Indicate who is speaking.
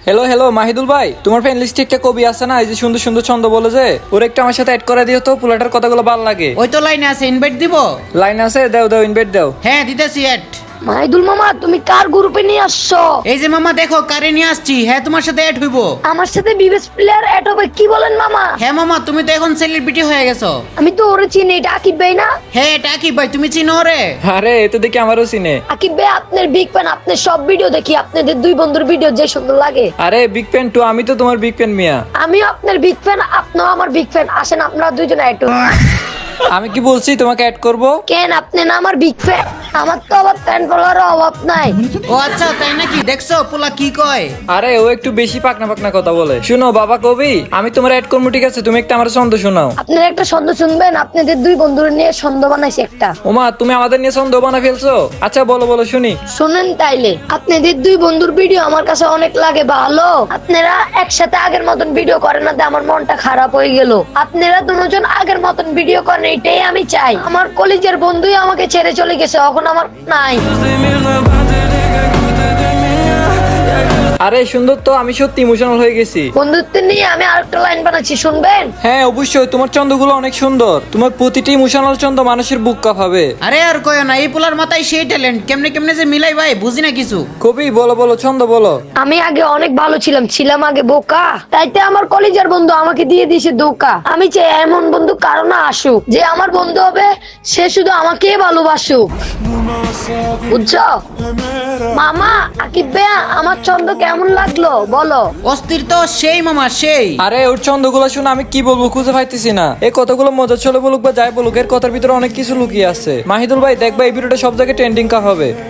Speaker 1: Hello hello Mahidul ভাই, তোমার friend লিস্টে একটা কবি আছে না, এই যে সুন্দর সুন্দর ছন্দ বলে যে, ওর একটা আমার সাথে অ্যাড করে দিও তো, পোলাটার কথাগুলো ভালো লাগে।
Speaker 2: ওই তো লাইনে আছে, ইনভাইট দিব।
Speaker 1: লাইন আছে, দাও দাও ইনভাইট দাও।
Speaker 2: হ্যাঁ দিতেছি অ্যাড।
Speaker 3: মাহিদুল মামা, তুমি কার গ্রুপে নিয়ে আসছো?
Speaker 2: এই যে মামা দেখো কারে নিয়ে আসছি। হ্যাঁ তোমার সাথে অ্যাড হইব।
Speaker 3: আমার সাথে বিবেস প্লেয়ার এড হবে? কি বলেন মামা?
Speaker 2: হ্যাঁ মামা, তুমি তো এখন সেলিব্রিটি হয়ে গেছো।
Speaker 3: আমি তো ওরে চিনি, এটা আকিব ভাই না?
Speaker 2: হ্যাঁ এটা আকিব ভাই, তুমি চিনো রে?
Speaker 1: আরে এ তো দেখি আমারও চিনে।
Speaker 3: আকিব ভাই আপনার বিগ ফ্যান, আপনার সব ভিডিও দেখি, আপনাদের দুই বন্ধুর ভিডিও যে সুন্দর লাগে।
Speaker 1: আরে বিগ ফ্যান টু, আমি তো তোমার বিগ ফ্যান মিয়া।
Speaker 3: আমিও আপনার বিগ ফ্যান, আপনিও আমার বিগ ফ্যান। আসেন আপনারা দুইজন এড।
Speaker 1: আমি কি বলছি তোমাকে অ্যাড করব?
Speaker 3: কেন আপনি না আমার বিগ ফ্যান? আমার তো আবার ফ্যান ফলোয়ারের অভাব নাই।
Speaker 2: ও আচ্ছা তাই নাকি? দেখছো পোলা কি কয়।
Speaker 1: আরে ও একটু বেশি পাকনা পাকনা কথা বলে। শুনো বাবা কবি, আমি তোমার অ্যাড করবো, ঠিক আছে? তুমি একটা আমার ছন্দ শোনাও।
Speaker 3: আপনারা একটা ছন্দ শুনবেন? আপনাদের দুই বন্ধুর নিয়ে ছন্দ বানাইছি একটা।
Speaker 1: ওমা, তুমি আমাদের নিয়ে ছন্দ বানা ফেলছো? আচ্ছা বলো বলো শুনি।
Speaker 3: শুনেন তাইলে, আপনাদের দুই বন্ধুর ভিডিও আমার কাছে অনেক লাগে ভালো। আপনারা একসাথে আগের মতন ভিডিও করেন না, আমার মনটা খারাপ হয়ে গেল। আপনারা দুজন আগের মতন ভিডিও করেন, এটাই আমি চাই। আমার কলেজের বন্ধুই আমাকে ছেড়ে চলে গেছে, এখন আমার নাই।
Speaker 1: আরে সুন্দর তো, আমি সত্যি ইমোশনাল হয়ে গেছি।
Speaker 3: বন্ধুত্ব নিয়ে আমি আরেকটা লাইন বানাচ্ছি, শুনবেন?
Speaker 1: হ্যাঁ অবশ্যই, তোমার ছন্দগুলো অনেক সুন্দর। তোমার প্রতিটি ইমোশনাল ছন্দ মানুষের বুক কাঁপাবে।
Speaker 2: আরে আর কয় না, এই পোলার মাথায় সেই ট্যালেন্ট, কেমনে কেমনে যে মিলাই ভাই বুঝি না কিছু।
Speaker 1: কবি বলো বলো, ছন্দ বলো।
Speaker 3: আমি আগে অনেক ভালো ছিলাম আগে বোকা, তাইতে আমার কলেজের বন্ধু আমাকে দিয়ে দিয়েছে ধোকা। আমি চাই এমন বন্ধু কারো না আসুক, যে আমার বন্ধু হবে সে শুধু আমাকেই ভালোবাসুক। বুঝছো মামা? আকিব ভাইয়া, আমার ছন্দ কেমন লাগলো বলো?
Speaker 2: অস্থির তো সেই মামা সেই।
Speaker 1: আরে ওর ছন্দগুলো শুনে আমি কি বলবো খুঁজে পাইতেছি না। এই কতগুলো মজা চলে বলুক বা যাই বলুক, এর কথার ভিতরে অনেক কিছু লুকিয়ে আছে। মাহিদুল ভাই দেখবা, এই ভিডিওটা সব জায়গায় ট্রেন্ডিং কা হবে।